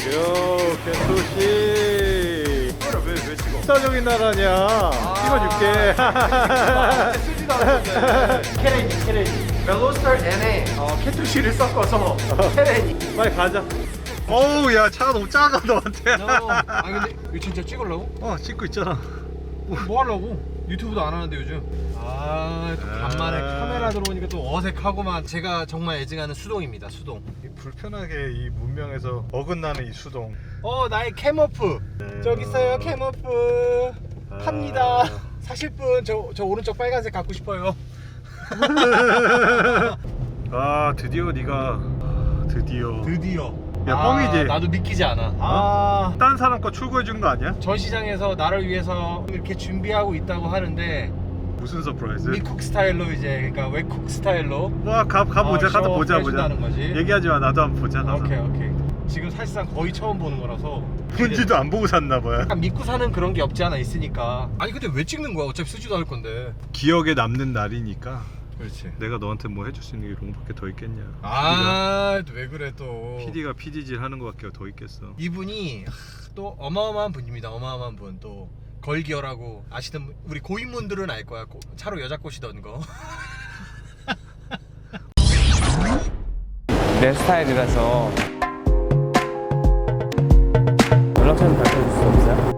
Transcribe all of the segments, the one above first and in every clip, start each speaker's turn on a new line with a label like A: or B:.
A: 요, 개토시.
B: 왜 찍어?
A: 스타적인 나라냐. 찍어줄게.
B: 쓰지도 않는데. 케레니. 멜로스터 N에 캐투시를 섞어서 케레니.
A: 빨리 가자. 어우, 야, 차가 너무 작아, 너한테.
B: 아니 근데 이거 진짜 찍으려고?
A: 찍고 있잖아.
B: 뭐 하려고? 유튜브도 안 하는데 요즘. 또 간만에 카메라 들어오니까 또 어색하고만. 제가 정말 애증하는 수동입니다. 수동.
A: 불편하게 이 문명에서 어긋나는 이 수동.
B: 나의 캠오프. 저기 있어요, 캠오프. 팝니다. 사실 분 저 오른쪽 빨간색 갖고 싶어요.
A: 드디어 네가
B: 드디어.
A: 야, 뻥이지?
B: 나도 믿기지 않아.
A: 딴 사람 거 출고해 준 거 아니야?
B: 전시장에서 나를 위해서 이렇게 준비하고 있다고 하는데
A: 무슨 서프라이즈?
B: 미쿡 스타일로 이제, 그러니까 외국 스타일로.
A: 가보자. 가서 보자.
B: 해준다는 거지.
A: 얘기하지 마. 나도 한번 보자. 가서.
B: 오케이. 지금 사실상 거의 처음 보는 거라서.
A: 본지도 안 보고 샀나 봐요.
B: 약간 믿고 사는 그런 게 없지 않아 있으니까. 아니 근데 왜 찍는 거야? 어차피 쓰지도 않을 건데.
A: 기억에 남는 날이니까.
B: 그렇지.
A: 내가 너한테 뭐 해줄 수 있는 게 롱밖에 더 있겠냐.
B: 왜 그래 또.
A: PD가 PD질 하는 거밖에 더 있겠어.
B: 이분이 또 어마어마한 분입니다. 어마어마한 분. 또 걸기어라고 아시는 우리 고인분들은 알 거야. 차로 여자 꼬시던 거.
C: 내 스타일이라서 연락처는 밝혀줄 수 없어요?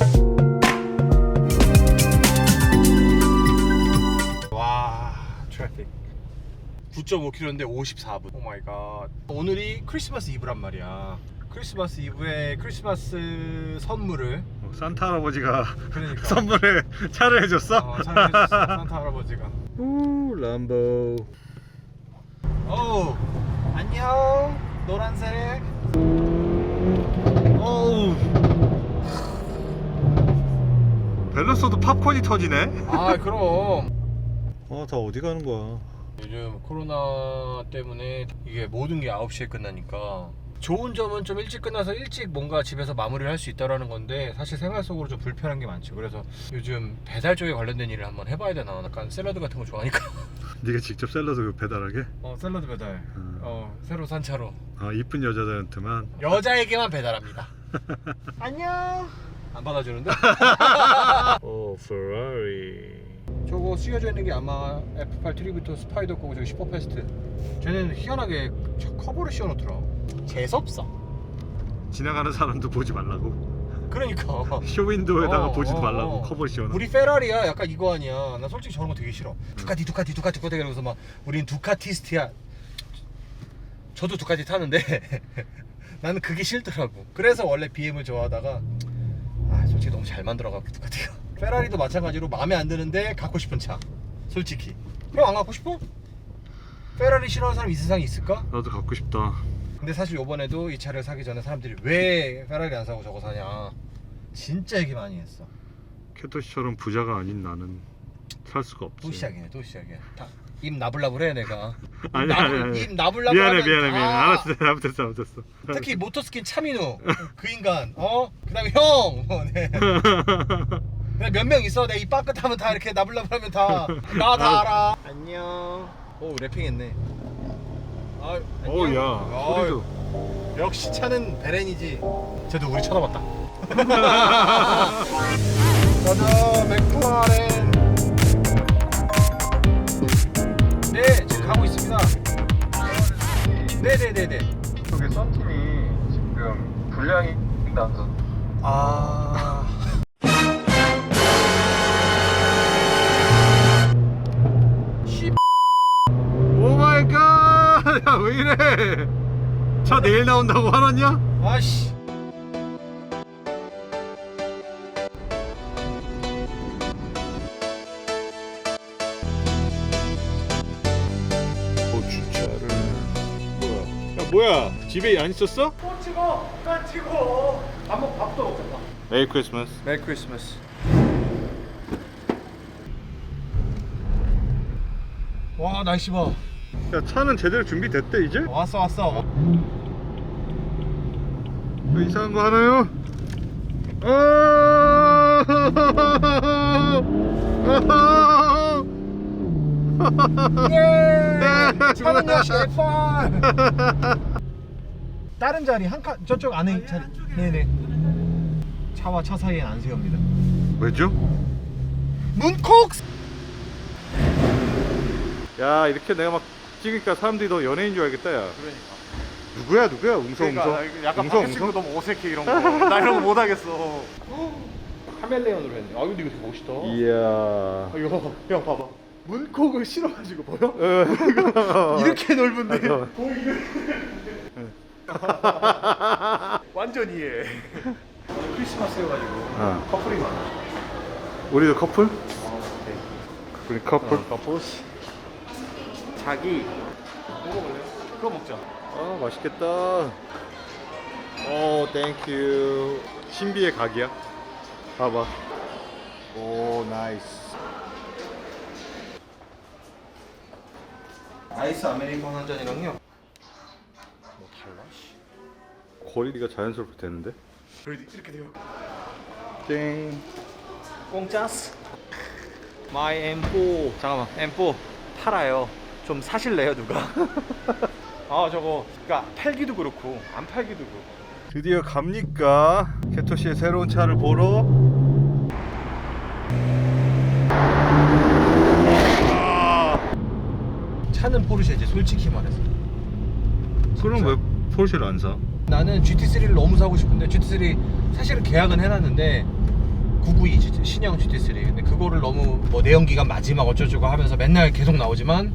B: 와, 트래픽 9.5km인데 54분. 오 마이 갓. 오늘이 크리스마스 이브란 말이야. 크리스마스 이브에 크리스마스 선물을
A: 산타 할아버지가
B: 그러니까
A: 선물에 차를 해줬어?
B: 차를 해줬어. 산타 할아버지가.
A: 우 람보.
B: 어우, 안녕. 노란색.
A: 어우. 밸런스도 팝콘이 터지네.
B: 그럼
A: 다 어디 가는 거야?
B: 요즘 코로나 때문에 이게 모든 게 9시에 끝나니까 좋은 점은 좀 일찍 끝나서 일찍 뭔가 집에서 마무리를 할 수 있다라는 건데, 사실 생활 속으로 좀 불편한 게 많죠. 그래서 요즘 배달 쪽에 관련된 일을 한번 해봐야 되나. 약간 샐러드 같은 거 좋아하니까.
A: 네가 직접 샐러드 배달하게?
B: 샐러드 배달. 새로 산 차로
A: 이쁜 여자들한테만.
B: 여자에게만 배달합니다. 안녕. 안 받아주는데?
A: 페라리.
B: 저거 쓰여져 있는 게 아마 F8 트리뷰트 스파이더 거고, 저기 슈퍼패스트. 쟤는 희한하게 커버를 씌워놓더라. 재수없어.
A: 지나가는 사람도 보지 말라고.
B: 그러니까
A: 쇼윈도에다가 보지도 말라고 커버 씌워놔.
B: 우리 페라리야. 약간 이거 아니야. 나 솔직히 저런 거 되게 싫어. 두카티 그러면서 막 우린 두카티스트야. 저도 두카티 타는데 나는 그게 싫더라고. 그래서 원래 BM을 좋아하다가 솔직히 너무 잘 만들어갖고 두카티가. 페라리도 마찬가지로 마음에 안 드는데 갖고 싶은 차. 솔직히 형 안 갖고 싶어? 페라리 싫어하는 사람 이 세상에 있을까?
A: 나도 갖고 싶다.
B: 근데 사실 요번에도 이 차를 사기 전에 사람들이 왜 페라리 안 사고 저거 사냐 진짜 얘기 많이 했어.
A: 캐토시처럼 부자가 아닌 나는 살 수가 없지.
B: 또 시작이야. 입 나불나불해 내가.
A: 아니.
B: 입 나불나불하면
A: 미안해. 알았어. 잘못했어.
B: 특히 모터스킨 차민우 그 인간. 그다음에 형. 네. 몇 명 있어. 내 입 빠끗하면 다 이렇게 나불나불하면 다 나 다 알아. 안녕. 오, 래핑했네. 안녕.
A: 야, 소리도.
B: 역시 차는 베렌이지. 쟤도 우리 쳐다봤다. 가자, 맥클라렌. 네, 지금 가고 있습니다. 네네네네.
A: 저기 썬팀이 지금 불량이 나서. 오 마이 갓! 야, 왜 이래? 차 내일 나온다고 화났냐?
B: 아씨.
A: 주차를 뭐야? 집에 안 있었어?
B: 또 찍어. 난 찍어. 밥도 먹겠다.
A: 메리 크리스마스.
B: 메리 크리스마스. 와, 날씨 봐.
A: 야, 차는 제대로 준비됐대 이제?
B: 왔어.
A: 뭐 이상한 거 하나요?
B: 예! 차는 역시 F1. 다른 자리 한 칸 저쪽 안에 자리. 네네. 차와 차 사이엔 안 세웁니다.
A: 왜죠?
B: 문콕.
A: 야 이렇게 내가 막 찍으니까 사람들이 너 연예인 줄 알겠다 야.
B: 그러니까.
A: 누구야 웅성
B: 약간
A: 웅성
B: 밖에 찍고 너무 어색해 이런 거. 나 이런 거 못 하겠어. 카멜레온으로 했네. 아 근데 이거 되게 멋있다.
A: 이야.
B: 이거 형 봐봐. 문콕을 실어가지고 보여? 이렇게 넓은데. 완전 이해. 크리스마스여가지고 커플이 많아.
A: 우리도 커플?
B: 네.
A: 우리 커플?
B: 커플스. 자기 뭐 먹을래요? 그거 먹자.
A: 아 맛있겠다. 오 땡큐. 신비의 각이야. 봐봐. 오 나이스.
B: 아이스 아메리카노 한 잔이랑요. 뭐 달라?
A: 거리가 자연스럽게 되는데?
B: 이렇게 돼요.
A: 땡.
B: 공짜스. 마이 M4. 잠깐만 M4 팔아요. 좀 사실래요 누가? 아 저거 그러니까 팔기도 그렇고 안 팔기도 그렇고.
A: 드디어 갑니까? 캐토시의 새로운 차를 보러.
B: 차는 포르쉐지 솔직히 말해서.
A: 그럼 왜 포르쉐를 안 사?
B: 나는 GT3를 너무 사고 싶은데 GT3 사실은 계약은 해놨는데 992 신형 GT3 근데 그거를 너무 뭐 내연기관 마지막 어쩌고저쩌고 하면서 맨날 계속 나오지만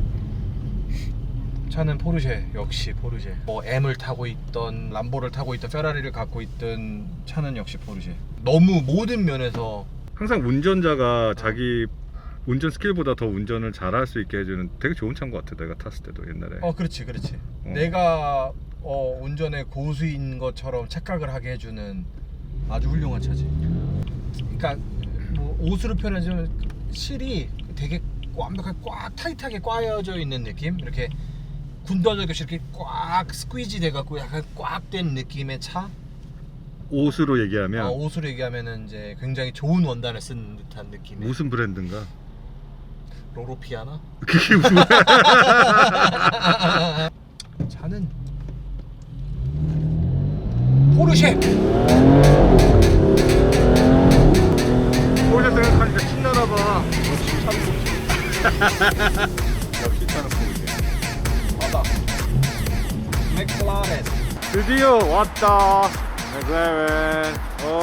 B: 차는 포르쉐 역시 포르쉐 뭐 M을 타고 있던 람보를 타고 있던 페라리를 갖고 있던 차는 역시 포르쉐 너무 모든 면에서
A: 항상 운전자가 자기 운전 스킬보다 더 운전을 잘할 수 있게 해주는 되게 좋은 차인 것 같아. 내가 탔을 때도 옛날에.
B: 그렇지 내가 운전의 고수인 것처럼 착각을 하게 해주는 아주 훌륭한 차지. 그러니까 뭐 옷으로 표현하자면 실이 되게 완벽하게 꽉 타이트하게 꽈여져 있는 느낌. 이렇게 군더더기없이 이렇게 꽉 스퀴지 돼갖고 약간 꽉 된 느낌의 차.
A: 옷으로 얘기하면
B: 옷으로 얘기하면은 이제 굉장히 좋은 원단을 쓴 듯한 느낌의.
A: 무슨 브랜드인가?
B: 로로피아나?
A: 그게 무슨
B: 차는 포르쉐.
A: 포르쉐 생각하니까 신나나봐. 역시 차는 포르쉐.
B: 맞다. 맥클라렌.
A: 드디어 왔다. 맥라렌.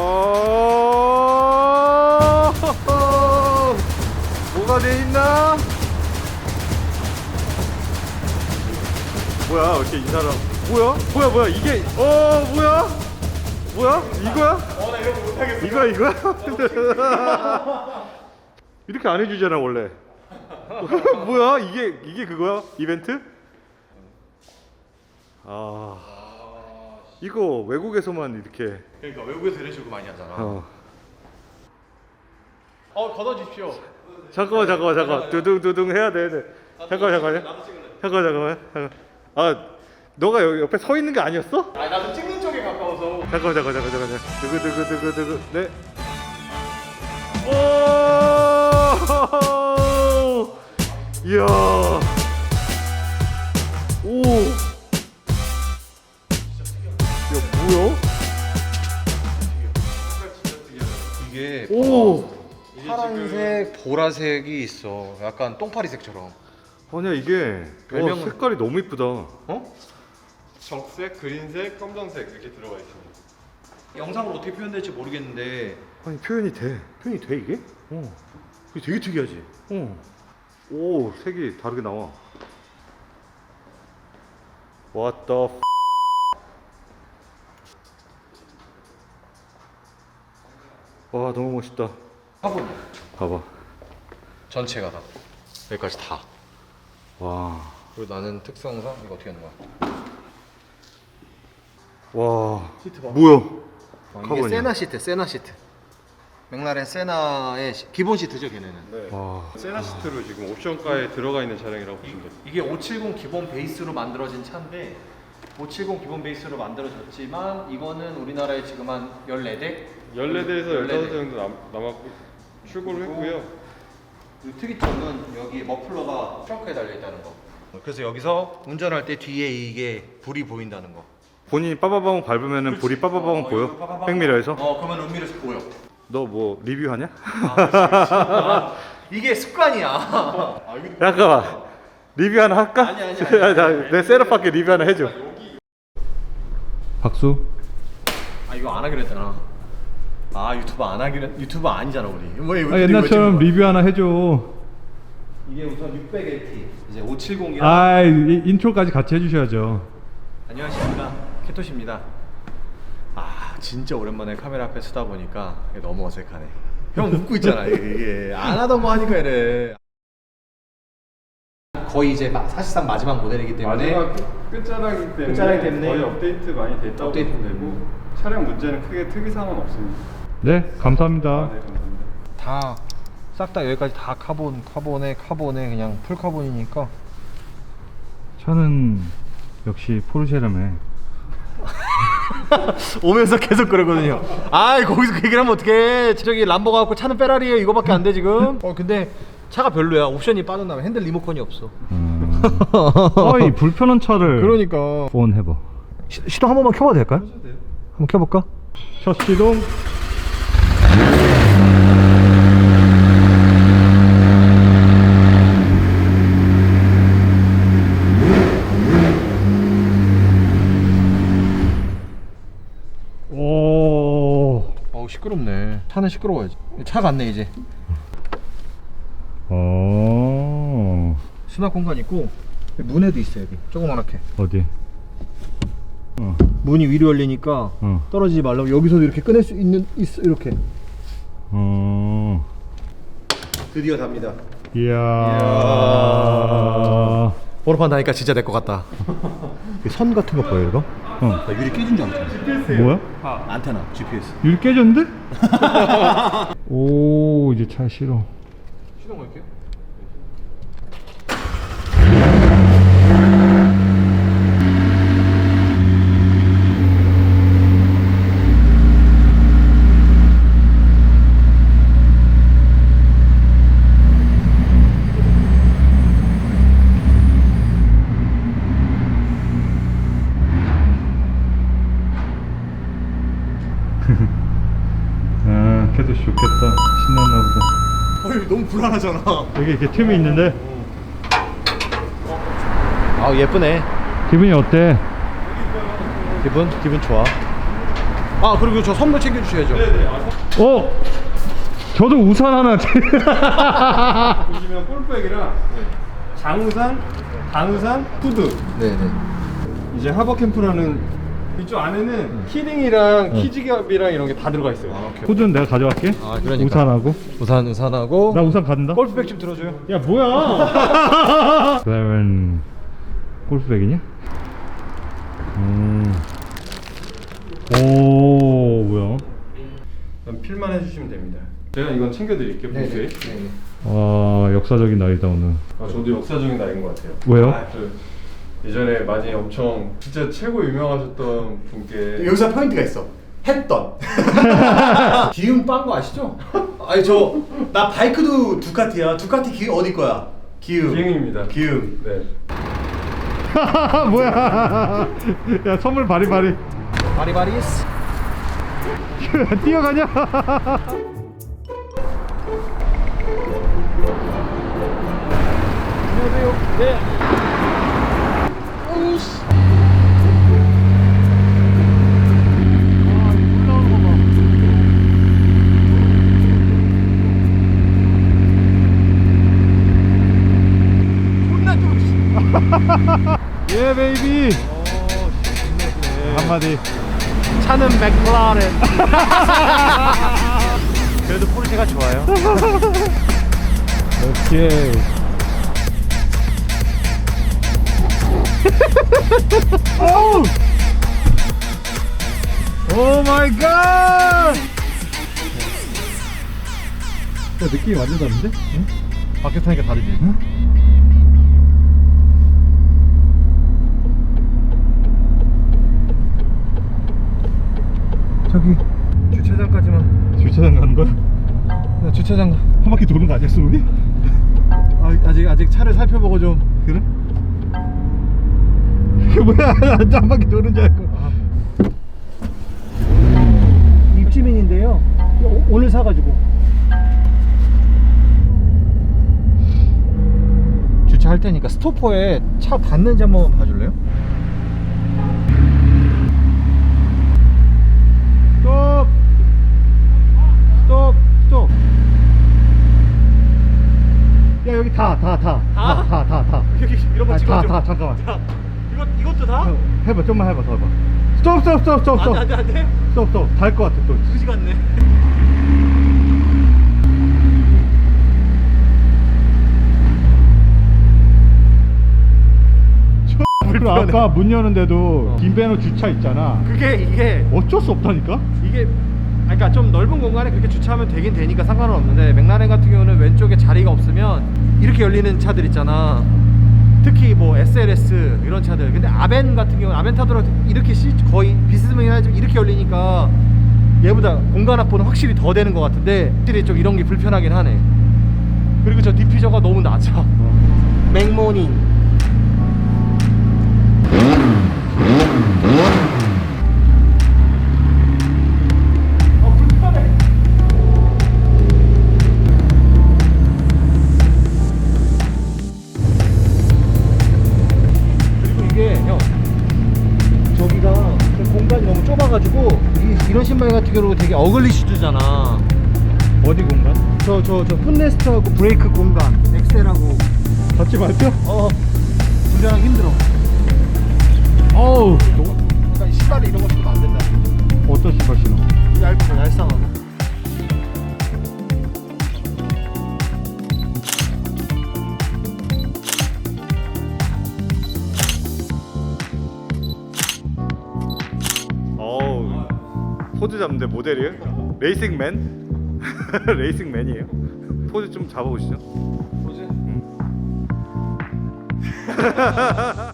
A: 뭐가 돼 있나? 뭐야? 이렇게 이 사람. 뭐야? 이게 뭐야? 이거야?
B: 나 이런 거 못하겠어.
A: 이거야? 이렇게 안 해주잖아 원래. 뭐야? 이게 그거야? 이벤트? 이거 외국에서만 이렇게.
B: 그러니까 외국에서 이런 식으로 많이 하잖아. 걷어주십시오.
A: 잠깐만. 두둥 해야 돼. 잠깐만. 너가 여기 옆에 서 있는 게 아니었어?
B: 나도 찍는 쪽에 가까워서.
A: 잠깐만. 두구. 네. 오! 이야. 오. 야, 뭐야?
B: 이게
A: 오.
B: 파란색, 보라색이 있어. 약간 똥파리색처럼.
A: 아니야 이게
B: 별명은-
A: 색깔이 너무 이쁘다.
D: 적색, 그린색, 검정색 이렇게 들어가 있습니다.
B: 영상으로 어떻게 표현될지 모르겠는데
A: 아니 표현이 돼 이게? 이게 되게 특이하지. 오 색이 다르게 나와. What the f? 와 너무 멋있다.
B: 화분
A: 봐봐.
B: 전체가 다 여기까지 다.
A: 와.
B: 그리고 나는 특성상 이거 어떻게 하는 거야?
A: 와.
B: 시트 봐.
A: 뭐야?
B: 이게
A: 카본이야.
B: 세나 시트. 맥라렌 세나의 기본 시트죠, 걔네는.
D: 네.
A: 와.
D: 세나 시트로 지금 옵션가에 들어가 있는 차량이라고 보시면 됩니다.
B: 이게 570 기본 베이스로 만들어진 차인데 570 기본 베이스로 만들어졌지만 이거는 우리나라에 지금 한 14대?
D: 14대에서
B: 14대.
D: 15대 정도 남았고 출고를 했고요.
B: 그 특이점은 여기 머플러가 트렁크에 달려 있다는 거. 그래서 여기서 운전할 때 뒤에 이게 불이 보인다는 거.
A: 본인이 빠바바방 밟으면은 볼이 빠바바방 보여?
B: 빠바바방.
A: 백미러에서?
B: 그러면 은밀에서 보여.
A: 너 뭐 리뷰하냐?
B: 이게 습관이야.
A: 잠깐만 리뷰 하나 할까?
B: 아니.
A: 내 셋업밖에 리뷰 하나 해줘. 박수.
B: 아 이거 안 하기로 했잖아. 아 유튜버 아니잖아 우리. 뭐
A: 옛날처럼 리뷰 하나 해줘.
B: 이게 우선 600LT 이제 570이랑
A: 아 인트로까지 같이 해주셔야죠.
B: 안녕하십니까 캐토시입니다. 아 진짜 오랜만에 카메라 앞에 서다 보니까 이게 너무 어색하네. 형 웃고 있잖아. 이게 안 하던 거 하니까 이래. 거의 이제 사실상 마지막 모델이기 때문에
D: 마지막 끝자락이기 때문에,
B: 끝자락이기 때문에
D: 거의 업데이트 많이 됐다고
B: 업데이트.
D: 보면 되고 차량 문제는 크게 특이사항은 없습니다.
A: 네 감사합니다.
D: 아, 네 감사합니다.
B: 다 싹 다 여기까지 다 카본에 그냥 풀 카본이니까
A: 차는 역시 포르쉐라며.
B: 오면서 계속 그러거든요. 아 거기서 그 얘기를 하면 어떡해. 저기 람보 가갖고 차는 페라리에요 이거밖에 안 돼 지금. 근데 차가 별로야. 옵션이 빠졌나면 핸들 리모컨이 없어.
A: 이 불편한 차를.
B: 그러니까
A: 폰 해봐.
B: 시동 한 번만 켜봐도 될까요? 한번 켜볼까?
A: 첫 시동. 오.
B: 어우 시끄럽네. 차는 시끄러워야지. 차 같네 이제. 수납 공간 있고 문에도 있어 여기 조그맣게.
A: 어디?
B: 문이 위로 열리니까 떨어지지 말라고 여기서도 이렇게 꺼낼 수 있어 이렇게. 드디어 답니다.
A: 이야.
B: 번호판 다니까 진짜 내 것 같다. 선 같은 거 보여 이거? 나 유리 깨진 줄 알았어.
A: 뭐야?
B: 안테나 GPS.
A: 유리 깨졌는데? 오 이제 차 싫어.
B: 시동 걸게요.
A: 아 걔도 좋겠다. 신났나 보다.
B: 너무 불안하잖아.
A: 여기 이렇게 틈이 있는데
B: 아 예쁘네.
A: 기분이 어때?
B: 기분 좋아. 아 그리고 저 선물 챙겨주셔야죠.
A: 저도 우산 하나.
D: 보시면 골백이랑 장우산, 단우산, 후드.
B: 네네.
D: 이제 하버 캠프라는 이쪽 안에는 키링이랑 키즈갑이랑 이런 게 다 들어가 있어요.
A: 후드는 내가 가져갈게.
B: 아, 그러니까.
A: 우산하고.
B: 우산하고.
A: 나 우산 갖는다.
B: 골프백 좀 들어줘요.
A: 야 뭐야? 그러면 골프백이냐? 오 뭐야?
D: 그럼 필만 해주시면 됩니다. 제가 이건 챙겨드릴게요. 보수에.
A: 와 역사적인 날이다 오늘.
D: 저도 역사적인 날인 것 같아요.
A: 왜요?
D: 예전에 많이 엄청 진짜 최고 유명하셨던 분께
B: 여기서 포인트가 있어. 했던. 기움 빤 거 아시죠? 아니 나 바이크도 두카티야. 두카티 어디 거야? 기움.
D: 기흥입니다.
B: 기움.
D: 네.
A: 뭐야? 야 선물 바리바리.
B: 바리바리스.
A: 뛰어가냐?
B: 안녕하세요. 네.
A: 예 베이비. 한마디.
B: 차는 맥라렌. 그래도 포르쉐가 좋아요.
A: 오케이. 오 마이 갓. 느낌이 완전 다른데? 응?
B: 밖에 타니까 다르지.
A: 응?
B: 저기 주차장까지만.
A: 주차장 가는 거야?
B: 나 주차장
A: 한 바퀴 도는 거 아니었어 우리?
B: 아직 차를 살펴보고 좀.
A: 그래? 뭐야 한 바퀴 도는 줄 알고.
B: 오늘 사가지고. 주차할 테니까 스토퍼에 차 닿는지 한번 봐줄래요? 스톱! 스톱! 스톱! 야 여기 다
D: 여기 이런 거 찍어줘.
B: 다 잠깐만.
D: 이것도 다?
B: 해봐 좀만 해봐 더 해봐. 스톱
D: 안돼.
B: 스톱 달 것 같아 또.
D: 그지 같네.
B: 그리고 아까 문 여는데도 빈배너 주차 있잖아.
D: 이게
B: 어쩔 수 없다니까.
D: 이게 그러니까 좀 넓은 공간에 그렇게 주차하면 되긴 되니까 상관은 없는데 맥라렌 같은 경우는 왼쪽에 자리가 없으면 이렇게 열리는 차들 있잖아. 특히 뭐 SLS 이런 차들. 근데 아벤 같은 경우는 아벤타도랑 이렇게 거의 비스듬하긴 하지만 이렇게 열리니까 얘보다 공간 확보는 확실히 더 되는 것 같은데 확실히 좀 이런 게 불편하긴 하네. 그리고 저 디퓨저가 너무 낮아. 맥모닝. 불편해. 그리고 이게 형 저기가 좀 공간이 너무 좁아가지고 이런 신발 같은 경우 되게 어글리 슈즈잖아.
B: 어디 공간?
D: 저 풋레스트하고 브레이크 공간 엑셀하고
B: 닫지 말죠?
D: 운전하기 힘들어.
B: 어우
D: 그러니까 신발이 이런 거 신으면 안 된다.
B: 어떤 신발 신어?
D: 얇은 거 얄쌍한 거.
A: 어우 포즈 잡는데 모델이에요? 레이싱맨? 레이싱맨이에요? 포즈 좀 잡아보시죠.
D: 뭐지?